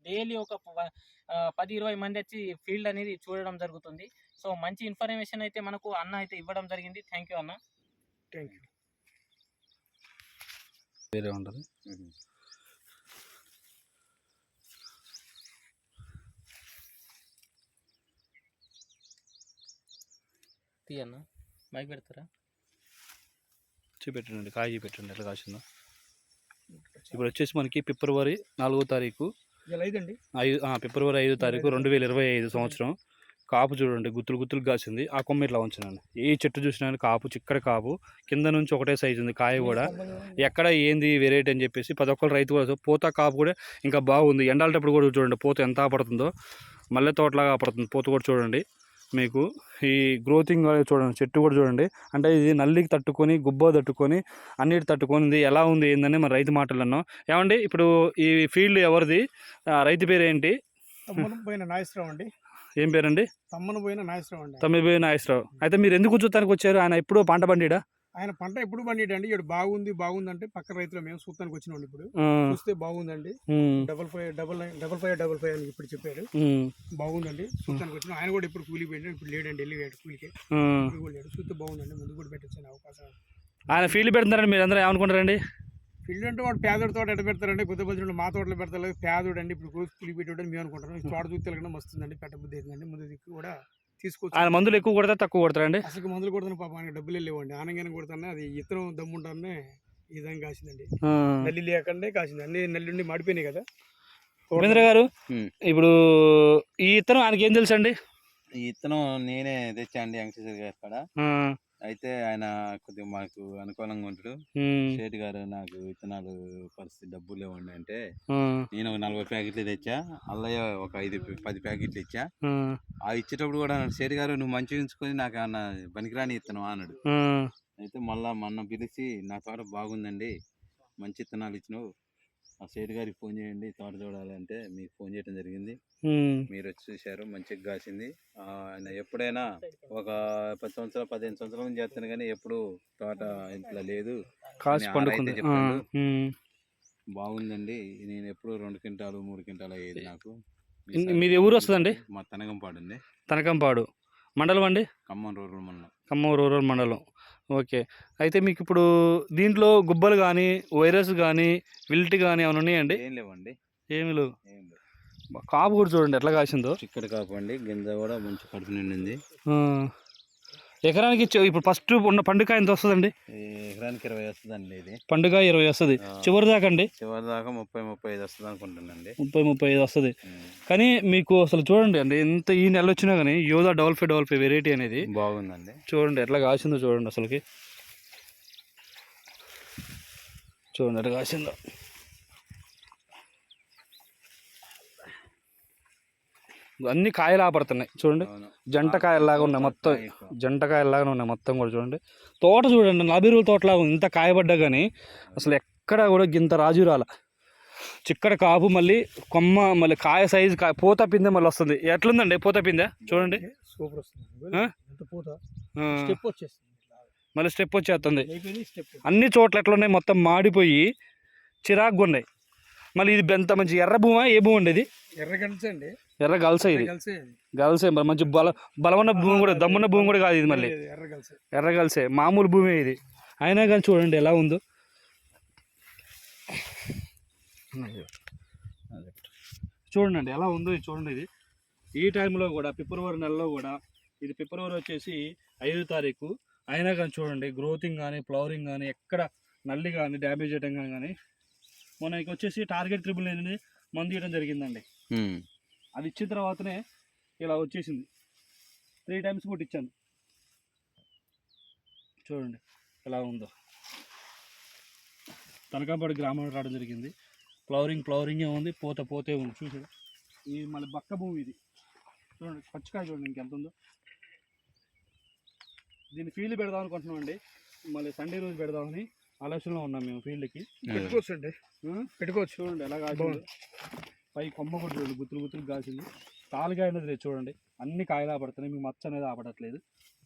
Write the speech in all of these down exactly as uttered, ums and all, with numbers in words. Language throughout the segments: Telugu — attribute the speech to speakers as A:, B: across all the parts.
A: డైలీ ఒక పది ఇరవై మంది వచ్చి ఫీల్డ్ అనేది చూడడం జరుగుతుంది. సో మంచి ఇన్ఫర్మేషన్ అయితే మనకు అన్న అయితే ఇవ్వడం జరిగింది. థ్యాంక్ యూ అన్న.
B: Thank you.
C: వేరే ఉంటుంది.
A: తీయన్న మైక్ పెడతారా?
C: చూపెట్టండి, కాయ చూపెట్టండి ఎట్లా కాసిందో. ఇప్పుడు వచ్చేసి మనకి ఫిబ్రవరి నాలుగో తారీఖు ఐదు ఫిబ్రవరి ఐదో తారీఖు రెండు వేల ఇరవై ఐదు సంవత్సరం. కాపు చూడండి గుత్తులు గుత్తులు కాసింది. ఆ కొమ్మ ఇట్లా ఉంచానండి. ఏ చెట్టు చూసినా కాపు చిక్కడ కాపు, కింద నుంచి ఒకటే సైజు ఉంది కాయ కూడా. ఎక్కడ ఏంది వెరైటీ అని చెప్పేసి ప్రతి ఒక్కరు రైతు కూడా పూత కాపు కూడా ఇంకా బాగుంది. ఎండాలటప్పుడు కూడా చూడండి పూత ఎంత పడుతుందో, మల్లె తోటలాగా పడుతుంది పూత కూడా చూడండి. మీకు ఈ గ్రోతింగ్ చూడండి, చెట్టు కూడా చూడండి. అంటే ఇది నల్లికి తట్టుకొని గుబ్బ తట్టుకొని అన్నిటి తట్టుకొని ఎలా ఉంది ఏందని మన రైతు మాటలు అన్నాం. ఏమండి ఇప్పుడు ఈ ఫీల్డ్ ఎవరిది, రైతు పేరు ఏంటి?
B: పోయిన నాగేశ్వరరావు అండి.
C: ఏం పేరండి?
B: తమ్మను పోయిన నాగేశ్వరరావు అండి.
C: తమ్మిది పోయిన నాగేశ్వరరావు. అయితే మీరు ఎందుకు చూస్తానికి వచ్చారు? ఆయన ఎప్పుడు పంట పండిడా?
B: ఆయన పంట ఎప్పుడు పండిడండి. ఇక్కడ బాగుంది బాగుంది అంటే పక్క రైతులు మేము చూస్తానికి వచ్చినాం. ఇప్పుడు చూస్తే బాగుందండి. Double five double nine double five double five అని ఇప్పుడు చెప్పారు. బాగుంది చూస్తానికి వచ్చినాం. ఆయన కూడా ఇప్పుడు కూలి పోయిండు, ఇప్పుడు లేడండి, వెళ్ళి కూలికి లేడు. చూస్తే బాగుందండి, ముందు కూడా పెట్టచ్చు అవకాశం.
C: ఆయన ఫీల్డ్ పెడుతున్నారండి, మీరు అందరూ ఏమనుకుంటారండి?
B: ఫీల్డ్ అంటే వాడు పేదోడి తోట ఎట్ట పెడతారండి, కొత్త బతులు మా తోటలో పెడతారు. పేదోడు అండి, ఇప్పుడు కూలి పెట్టాడని మేము అనుకుంటాం. ఈ తోట చూస్తే వెళ్ళడం వస్తుందండి, పెట్ట బుద్ధి అవుతుందండి. ముందు దిక్కు కూడా తీసుకోవచ్చు.
C: ఆయన మందులు ఎక్కువ కొడతా తక్కువ కొడతారండి?
B: అసలు మందులు కొడుతున్న పాప ఆయనకి డబ్బులు లేవండి. ఆనంగానే కొడుతున్నా అది ఇతరం దమ్ముంటానే ఈ విధంగా కాసిందండి. నల్లి లేకుండా కాసింది. అన్ని నల్లి ఉండి మాడిపోయినాయి కదా.
C: రవీంద్ర గారు, ఇప్పుడు ఈ ఇత్తనం ఆయనకి ఏం తెలుసు అండి?
D: ఈ ఇత్తనం నేనే తెచ్చా అండి వెంకటేశ్వర గారి కాడ. అయితే ఆయన కొద్దిగా మాకు అనుకూలంగా ఉంటాడు. షేట్ గారు నాకు విత్తనాలు పరిస్థితి డబ్బులు లేవండి అంటే నేను ఒక నలభై ప్యాకెట్లు తెచ్చా, అల్లయ్య ఒక ఐదు పది ప్యాకెట్లు ఇచ్చా. ఆ ఇచ్చేటప్పుడు కూడా షేట్ గారు నువ్వు మంచిగా ఉంచుకొని నాకు ఏమన్నా పనికిరాని ఇత్తనం అన్నాడు. అయితే మళ్ళా మొన్న పిలిచి నా తోట బాగుందండి, మంచి ఇత్తనాలు ఇచ్చినావు, ఆ షేట్ గారికి ఫోన్ చేయండి తోట చూడాలి అంటే మీకు ఫోన్ చేయడం జరిగింది. మీరు వచ్చి చూశారు, మంచిగా కాసింది. ఆయన ఎప్పుడైనా ఒక పది సంవత్సరాలు పదిహేను సంవత్సరాల నుంచి చేస్తాను కానీ ఎప్పుడు తోట ఇంట్లో లేదు, చెప్పాడు. బాగుందండి, నేను ఎప్పుడు రెండు క్వింటాలు మూడు క్వింటాలు అయ్యేది నాకు.
C: మీది ఊరు వస్తుందండి?
D: మా తనకంపాడు అండి.
C: తనకంపాడు మండలం అండి?
D: ఖమ్మం రూరల్ మండలం.
C: ఖమ్మం రూరల్ మండలం. ఓకే. అయితే మీకు ఇప్పుడు దీంట్లో గుబ్బలు కానీ వైరస్ కానీ విల్ట్ కానీ ఏమైనా ఉన్నాయండి?
D: ఏం లేవండి.
C: ఏమి లేవు. కాపు కూడా చూడండి ఎట్లా కాసిందో,
D: చిక్కడ కాపు అండి. గింజ కూడా మంచి కడుపు నిండింది.
C: ఎకరానికి ఇప్పుడు ఫస్ట్ ఉన్న పండుగ ఎంత వస్తుందండి?
D: ఎకరానికి ఇరవై వస్తుందండి. ఇది
C: పండుగ ఇరవై వస్తుంది. చివరి దాకా అండి?
D: చివరి దాకా ముప్పై ముప్పై ఐదు వస్తుంది అనుకుంటానండి.
C: ముప్పై ముప్పై ఐదు వస్తుంది. కానీ మీకు అసలు చూడండి అండి, ఎంత ఈ నెల వచ్చినా కానీ Yodha double five double five variety అనేది
D: బాగుందండి.
C: చూడండి ఎట్లా కాసిందో చూడండి, అసలుకి చూడండి ఎట్లా కాసిందో. అన్ని కాయలు ఆపడుతున్నాయి చూడండి, జంట కాయల్లాగా ఉన్నాయి మొత్తం, జంట కాయల్లాగానే ఉన్నాయి మొత్తం కూడా చూడండి. తోట చూడండి నలభై రోజుల తోటలాగా ఇంత కాయబడ్డా కానీ అసలు ఎక్కడ కూడా గింత రాజు రాల. చిక్కడ కాపు, మళ్ళీ కొమ్మ, మళ్ళీ కాయ సైజు కాయ, పూత పిందె మళ్ళీ వస్తుంది. ఎట్లుందండి పూత పిందె చూడండి,
B: సూపర్ వస్తుంది.
C: మళ్ళీ స్టెప్ వచ్చేస్తుంది. అన్ని చోట్ల ఎట్లున్నాయి మొత్తం మాడిపోయి చిరాకుగా ఉన్నాయి. మళ్ళీ ఇది ఎంత మంచి ఎర్ర భూమా, ఏ భూమి ఉండేది?
B: ఎర్ర గల్సే అండి.
C: ఎర్ర గల్సే, ఇది గల్సే. మరి మంచి బల బలమున్న భూమి కూడా, దమ్మున్న భూమి కూడా కాదు ఇది, మళ్ళీ ఎర్ర గల్సే. మామూలు భూమి ఇది అయినా కానీ చూడండి ఎలా ఉందో. చూడండి ఎలా ఉందో ఇది చూడండి. ఇది ఈ టైంలో కూడా ఫిబ్రవరి నెలలో కూడా, ఇది ఫిబ్రవరి వచ్చేసి ఐదో తారీఖు అయినా కానీ చూడండి గ్రోతింగ్ కానీ ఫ్లవరింగ్ కానీ ఎక్కడ నల్లి కానీ డ్యామేజ్ చేయడం కానీ కానీ మనకి వచ్చేసి టార్గెట్ ట్రిపుల్ నైన్ మందు ఇవ్వడం జరిగిందండి. అది ఇచ్చిన తర్వాతనే ఇలా వచ్చేసింది. త్రీ టైమ్స్ కూడా ఇచ్చాను. చూడండి ఎలా ఉందో. తనకాపాడు గ్రామంలో రావడం జరిగింది. ఫ్లవరింగ్ ఫ్లవరింగే ఉంది, పోత పోతే ఉంది. చూసి ఇది మళ్ళీ బక్క భూమి ఇది చూడండి, పచ్చికాయ చూడండి ఇంకెంత ఉందో. దీన్ని ఫీల్డ్ పెడదాం అనుకుంటున్నాం అండి, మళ్ళీ సండే రోజు పెడదామని ఆలోచనలో ఉన్నాం మేము. ఫీల్డ్కి
B: పెట్టుకోవచ్చు అండి, పెట్టుకోవచ్చు.
C: చూడండి ఎలా కాసింది, పై కొమ్మ కూడా చూడండి గుత్తులు గుత్తులు కాసింది. తాలుకాయ అనేది లేదు చూడండి, అన్ని కాయలు ఆపడుతున్నాయి, మీకు మచ్చ అనేది ఆపడట్లేదు.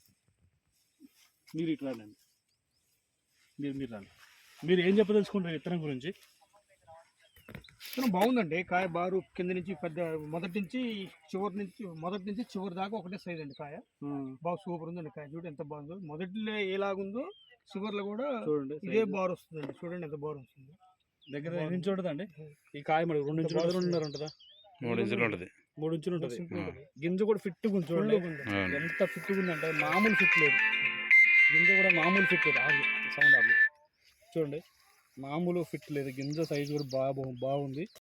C: మీరు ఇట్లా రండి, మీరు మీరు రండి. మీరు ఏం చెప్పదలుచుకుంటారు విత్తనం గురించి?
B: విత్తనం బాగుందండి. కాయ బారు కింద నుంచి పెద్ద మొదటి నుంచి చివరి నుంచి మొదటి నుంచి చివరి దాకా ఒకటే సైజ్ అండి కాయ. బాగా సూపర్ ఉందండి కాయ. చూడండి ఎంత బాగుందో. మొదటిలో ఎలాగుందో చివర్లో కూడా
C: చూడండి
B: ఇదే బారు వస్తుందండి. చూడండి ఎంత బారు వస్తుంది.
C: దగ్గర నుంచి చూడదండి ఈ కాయ మరి రెండు ఇంచులు రెండున్నర ఉంటుందా?
D: మూడు ఇంచులు ఉంటుంది.
C: మూడు ఇంచులు ఉంటుంది.
B: సింపుల్
C: గింజ కూడా ఫిట్ ఉంది చూడండి. ఎంత ఫిట్ ఉందంటే మామూలు ఫిట్ లేదు. గింజ కూడా మామూలు ఫిట్ లేదు. ఆగు సౌండ్ ఆగు. చూడండి మామూలు ఫిట్ లేదు. గింజ సైజు కూడా బాగా బాగుంది.